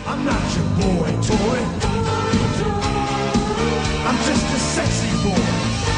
I'm not your boy toy. I'm just a sexy boy.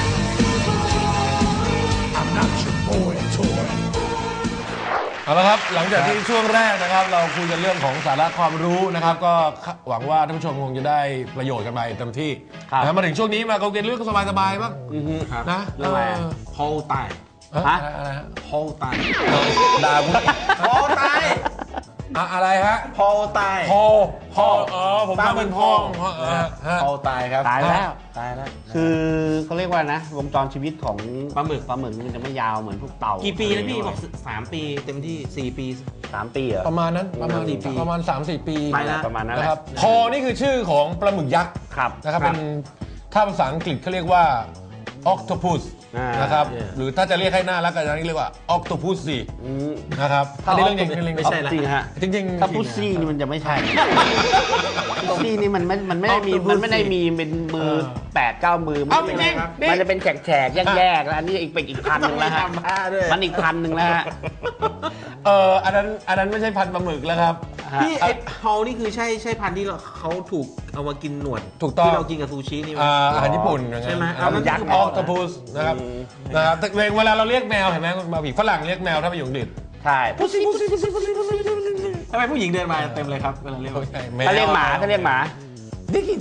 I'm not your boy toy. เอาละครับหลังจากที่ช่วงแรกนะครับเราคุยกันเรื่องของสาระความรู้นะครับก็หวังว่าท่านผู้ชมคงจะได้ประโยชน์กันไปเต็มที่นะมาถึงช่วงนี้มาเราเรียนเรื่องสบายๆบ้างนะเรื่องอะไรพอลไตอะไรฮะพอลไตด่าคุณพอลไตอะไรฮะพอลไตพอผมฟังเป็นพ่อพอลไตครับตายแล้วคือเขาเรียกว่านะวงจรชีวิตของปลาหมึกมันจะไม่ยาวเหมือนพวกเต่ากี่ปีนะพี่บอก3 ปีเต็มที่4 ปี 3 ปีเหรอประมาณนั้นประมาณ 3-4 ปีประมาณนั้นนะครับพอนี่คือชื่อของปลาหมึกยักษ์นะครับเป็นถ้าภาษาอังกฤษเขาเรียกว่า octopus นะครับหรือถ้าจะเรียกให้หน้าแล้วก็จะเรียกว่า octopus สินะครับอันนี้เรื่องจริงไม่ใช่ละจริงถ้าพุซซี่นี่มันจะไม่ใช่พุซซี่นี่มันไม่ได้มีเป็นมือ 8-9 มือมันจะเป็นแฉกแยกแล้วอันนี้อีกพันหนึ่งแล้วฮะมันอีกพันหนึ่งแล้วฮะอันนั้นไม่ใช่พันปลาหมึกแล้วครับพี่ไอ้เฮานี่คือใช่พันธุ์ที่เขาถูกเอามากินหนวดถูกต้องที่เรากินกับซูชินี่อาหารญี่ปุ่นใช่ไหมยักษ์ออคโตปัสนะครับแต่เวลาเราเรียกแมวเห็นไหมมาผีฝรั่งเรียกแมวถ้าไปอยู่อังกฤษใช่ทำไมผู้หญิงเดินมาเต็มเลยครับเวลาเรียกถ้าเรียกหมาดิกี้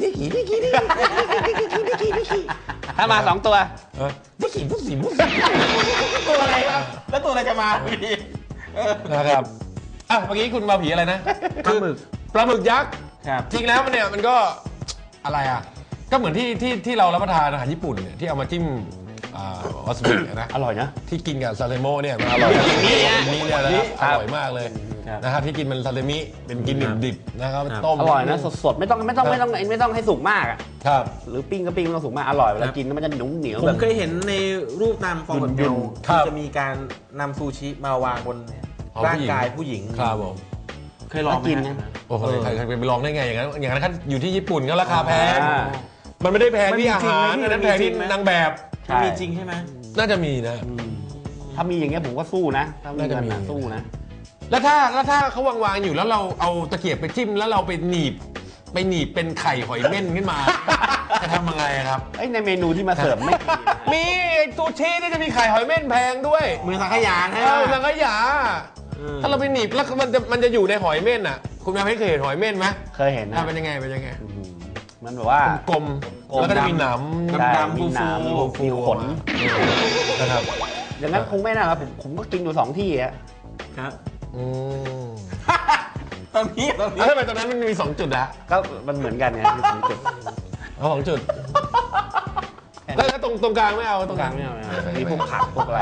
ถ้ามา2 ตัวดิกี้ตัวอะไรครับแล้วตัวอะไรจะมาพี่นะครับเมื่อกี้คุณมาผีอะไรนะปลาหมึกยักษ์จริงแล้วมันก็อะไรก็เหมือนที่เรารับประทานอาหารญี่ปุ่นเนี่ยที่เอามาจิ้มวาซาบินะอร่อยนะที่กินกับซาเซโมเนี่ยมันอร่อยนี่เนี่ยนะอร่อยมากเลยนะครับที่กินมันซาเซมิเป็นกินดิบนะครับต้มอร่อยนะสดๆไม่ต้องให้สุกมากครับหรือปิ้งก็ปิ้งไม่ต้องสุกมากอร่อยเวลากินมันจะเหนียวผมเคยเห็นในรูปนำฟอร์มเดียวที่จะมีการนำซูชิมาวางบนร่างกายผู้หญิงครับผมเคยลองกินนะโอ้โหใครไปลองได้ไงอย่างนั้นอยู่ที่ญี่ปุ่นก็ราคาแพงมันไม่ได้แพงที่อาหารนั่นแพงที่นางแบบมีจริงใช่ไหมน่าจะมีนะถ้ามีอย่างเงี้ยผมก็สู้นะถ้ามีเงินสู้นะแล้วถ้าเขาวางอยู่แล้วเราเอาตะเกียบไปจิ้มแล้วเราไปหนีบเป็นไข่หอยเม่นขึ้นมาจะทำยังไงครับในเมนูที่มาเสิร์ฟไม่มีซูชินี่จะมีไข่หอยเม่นแพงด้วยมือสังขยาสังขยาถ้าเราไปหนีบแล้วมันจะอยู่ในหอยเม่นอ่ะคุณแม่เคยเห็นหอยเม่นไหมเคยเห็นนะเป็นยังไงมันแบบว่ากลมแล้วก็จะมีหนามมีขนนะครับอย่างนั้นคงไม่น่าครับผมก็กินอยู่2 ที่ครับตอนนี้ทำไมตอนนั้นมันมี2 จุดอะก็มันเหมือนกันไงมี2 จุด 2 จุดแล้วตรงกลางไม่เอาตรงกลางไม่เอามีพวกผักพวกอะไร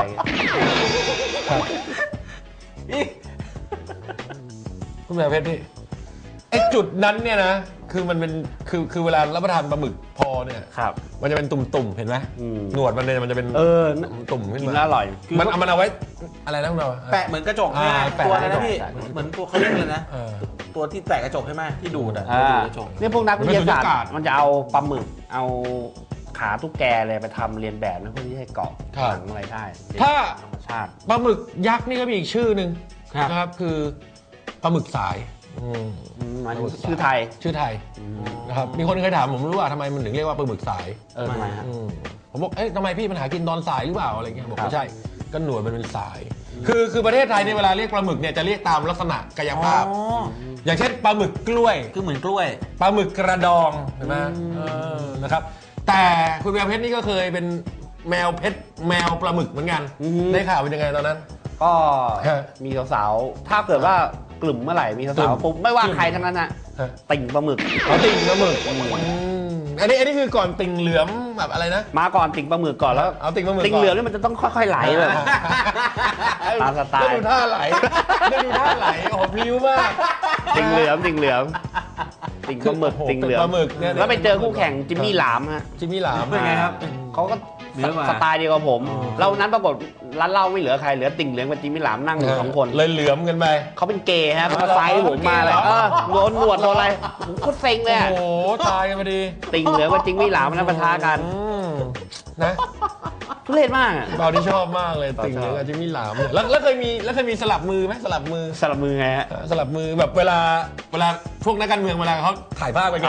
คุณแม่เพชรพี่ไอ้จุดนั้นเนี่ยนะคือมันเป็นคือเวลารับประทานปลาหมึกพอเนี่ยมันจะเป็นตุ่มๆเห็นไหมหนวดมันจะเป็นตุ่มขึ้นมาอร่อยมันเอาไว้อะไรนะคุณเราแปะเหมือนกระจกตัวอะไรนะพี่เหมือนตัวเขาเรียกเลยนะตัวที่แตะกระจกใช่ไหมที่ดูดกระจกนี่พวกนักวิทยาศาสตร์มันจะเอาปลาหมึกเอาขาตุ๊กแกเลยไปทำเรียนแบบนะเพื่อที่ให้เกาะหนังอะไรได้ถ้าธรรมชาติปลาหมึกยักษ์นี่ก็มีอีกชื่อหนึ่งนะครับคือปลาหมึกสายชื่อไทยนะครับมีคนเคยถามผมรู้ว่าทำไมมันถึงเรียกว่าปลาหมึกสายทำไมฮะผมบอกทำไมพี่มันหากินตอนสายหรือเปล่าอะไรเงี้ยบอกไม่ใช่ก็หนวดมันเป็นสายคือประเทศไทยในเวลาเรียกปลาหมึกเนี่ยจะเรียกตามลักษณะกายภาพอย่างเช่นปลาหมึกกล้วยคือเหมือนกล้วยปลาหมึกกระดองเห็นไหมนะครับแต่คุณแมวเพชรนี่ก็เคยเป็นแมวเพชรแมวปลาหมึกเหมือนกันได้ข่าวเป็นยังไงตอนนั้นก็มีสาวๆถ้าเกิดว่ากลุ่มเมื่อไหร่มีสาวๆปุ๊บไม่ว่าใครทั้งนั้นนะติ่งปลาหมึกติ่งปลาหมึกอันนี้คือก่อนติ่งเหลือมแบบอะไรนะมาก่อนติ่งปลาหมึกก่อนแล้วเอาติ่งปลาหมึกติ่งเหลือมนี่มันจะต้องค่อยๆไหลเลยตามสไตล์ดูท่าไหลโอ้โหพลิ้วมากติ่งเหลือมติ่งปลาหมึกติ่งเหลือมแล้วไปเจอคู่แข่งจิมมี่หลามฮะจิมมี่หลามเป็นไงครับเขาก็สไตล์เดียวกับผมเรานั้นปรากฏร้านเหล้าไม่เหลือใครเหลือติ่งเหลืองกับจิมมี่หลามนั่งอยู่2 คนเลยเหลือมกันไปเขาเป็นเกย์ฮะเขาไซส์ผมมาเลยโดนหนวดโดนอะไรโคตรเซ็งเลยโอ้โหตายกันพอดีติ่งเหลืองกับจิมมี่หลามนั้นปะทะกันนะทุเรศมากอะเปาที่ชอบมากเลยติ่งเหลืองกับจิมมี่หลามเนี่ยแล้วเคยมีสลับมือไหมสลับมือสลับมือไงฮะสลับมือแบบเวลาพวกนักการเมืองเวลาเขาถ่ายภาพไปไง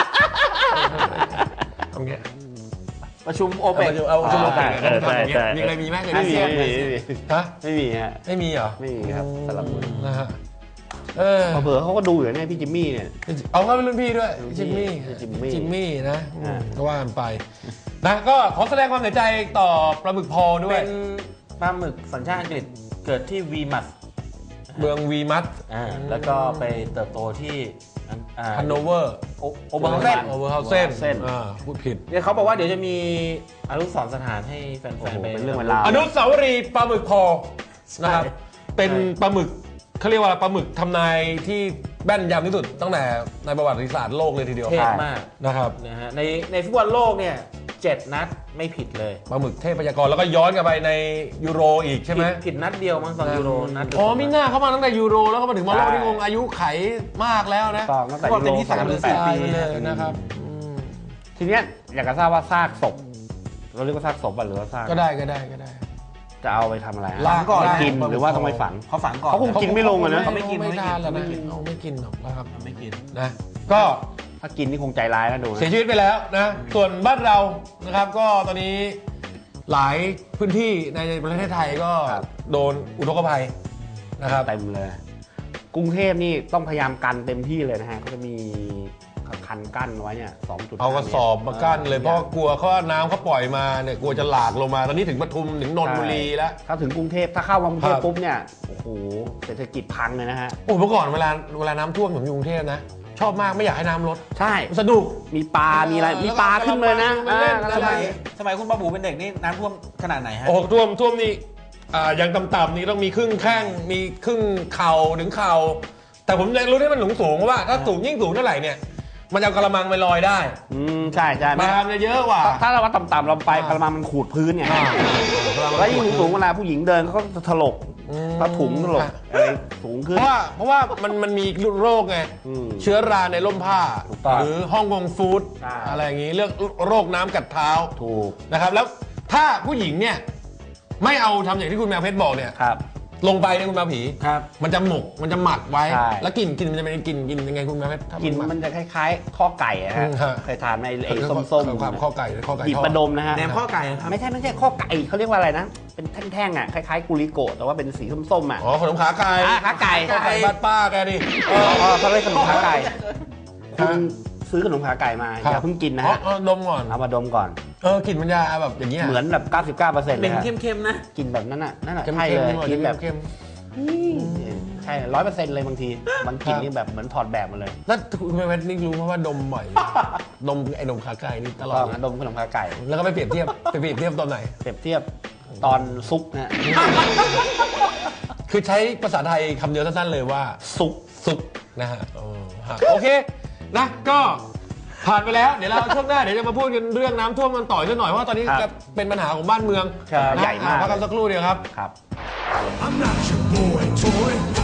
ทำไงประชุมโอเปกเอาชุมโอเปกใช่มีใครมีไหมเคยไม่มีมีฮะไม่มีฮะไม่มีเหรอไม่มีครับสลับมือนะฮะเผลอเขาก็ดูอยู่เนี่ยพี่จิมมี่เนี่ยเอาเขาเป็นรุ่นพี่ด้วยจิมมี่นะก็ว่ากันไปนะก็ขอแสดงความเสียใจต่อปลาหมึกพอด้วเป็ยนปลาหมึกสัญชาติอังกฤษเกิดที่วีมัสเมืองวีมัสแล้วก็ไปเติบโตที่ฮันโนเวอร์โอเบอร์เฮาเซนพูดผิดเดี๋ยวเขาบอกว่าเดี๋ยวจะมีอนุสรณ์สถานให้แฟโอ้นโหๆไปเป็นเรื่องเวลาวอนุสาวรีย์ปลาหมึกพอนะครับเป็นปลาหมึกเขาเรียกว่าปลาหมึกทำนายที่แม่นยำที่สุดตั้งแต่ในประวัติศาสตร์โลกเลยทีเดียวเทพมากนะครับนะฮะในฟุตบอลโลกเนี่ย7 นัดไม่ผิดเลยปลาหมึกเทพยากรแล้วก็ย้อนกลับไปในยูโรอีกใช่ไหมผิดนัดเดียวมั้งตอนยูโรนัดอ๋อมิน่าเข้ามาตั้งแต่ยูโรแล้วก็มาถึงบอลโลกที่งงอายุไขมากแล้วนะต่อตั้งแต่เขาบอกยูเป็นโรที่3 หรือ 4 ปีไปเลยนะครับทีเนี้ยอยากจะทราบว่าซากศพเราเรียกว่าซากศพหรือว่าซากก็ได้จะเอาไปทำอะไรลากก่อนไปกินหรือว่าต้องไปฝังเขาฝังก่อนเขาคงกินไม่ลงอะนะเขาไม่กินไม่ทานแล้วนะเอาไม่กินหรอกนะครับไม่กินนะก็ถ้ากินนี่คงใจร้ายนะดูนะเสียชีวิตไปแล้วนะส่วนบ้านเรานะครับก็ตอนนี้หลายพื้นที่ในประเทศไทยก็โดนอุทกภัยนะครับเต็มเลย กรุงเทพนี่ต้องพยายามกันเต็มที่เลยนะฮะก็จะมีคันกั้นไว้เนี่ย2 จุดเอากระสอบมากั้นเลยเพราะกลัวเขาน้ำเขาปล่อยมาเนี่ยกลัวจะหลากลงมาตอนนี้ถึงปทุมถึงนนทบุรีแล้วถ้าถึงกรุงเทพถ้าเข้ามากรุงเทพครับปุ๊บเนี่ยโอ้โหเศรษฐกิจพังเลยนะฮะโอ้เมื่อก่อนเวลาน้ำท่วมผมอยู่กรุงเทพนะชอบมากไม่อยากให้น้ำลดใช่สนุกมีปลา มีอะไร มีปลาขึ้นเลยนะแล้วก็เล่นสมัยคุณป้าบูเป็นเด็กนี่น้ำท่วมขนาดไหนฮะโอ้ท่วมนี่ยังต่ำๆนี่ต้องมีครึ่งแข้งมีครึ่งเข่าถึงเข่าแต่ผมยังรู้ที่มันสูงเพราะว่าถ้าสูงยิ่งสูงเท่าไหร่เนี่ยมันจะเอากระมังไปลอยได้ใช่ใช่มาทำเยอะกว่าถ้าเราว่าต่ำๆเราไปกระมังมันขูดพื้นไงแล้วยิ่งสูงเวลาผู้หญิงเดินเขาก็จะถลกผ้าถุงถลกอะไรสูงขึ้นเพราะว่ามันมีโรคไง เชื้อราในร่มผ้าถูกต้องหรือฮ่องกงฟู้ดใช่อะไรอย่างนี้เรื่องโรคน้ำกัดเท้าถูกนะครับแล้วถ้าผู้หญิงเนี่ยไม่เอาทำอย่างที่คุณแมวเพชรบอกเนี่ยครับลงไปในยคุณแมวผีครับมันจะหมกมันจะหมักไว้ใช่แล้วกลิ่นมันจะเป็นกลิ่นยังไงคุณแมวเพชรถ้ากินหกมันจะคล้ายๆ ข้อไก่อะฮะฮะเคยทานในไอ้ส้มๆความข้อไก่ข้อไก่หยิบทอดประดมนะฮะแหนมข้อไก่ครับไม่ใช่ข้อไก่เขาเรียกว่าอะไรนะ เป็นแท่งๆอ่ะคล้ายๆกุลิโกะแต่ว่าเป็นสีส้มๆอ่ะอ๋อขนมขาไก่ขาไก่ขาไก่บ้านป้าแกดิเขาเรียกขนมขาไก่คุณซื้อขนมขาไก่มาอย่าเพิ่งกินนะฮะดมก่อนเอามาดมก่อนกลิ่นมันจะแบบอย่างเงี้ยเหมือนแบบ 99%เลเป็ยนฮะเข้มๆนะกินแบบนั้นน่ะนั่นน่ะเค็มใช่ๆเลยหน่อยกินแบบเค็มใช่100%เลยบางทีบางกลินนี่แบบเหมือนถอดแบบมาเลยๆแล้วคุณแมวเพชรนี่รู้เพราะว่าดมบ่อยดมไอ้นมขาไก่นี่ตลอต้ดองนะดมขนมขาไก่แล้วก็ไปเปรียบเทียบตอนไหนเปรียบเทียบตอนซุกนะฮะคือใช้ภาษาไทยคำเดียวสั้นๆเลยว่าซุกนะฮะโอเคนะก็ผ่านไปแล้วเดี๋ยวเราช่วงหน้าเดี๋ยวจะมาพูดกันเรื่องน้ำท่วมกันต่ออีกสักหน่อยเพราะว่าตอนนี้ครับเป็นปัญหาของบ้านเมืองครับนะใหญ่มากพักกันสักครู่เดียวครับครับ I'm not your boy toy.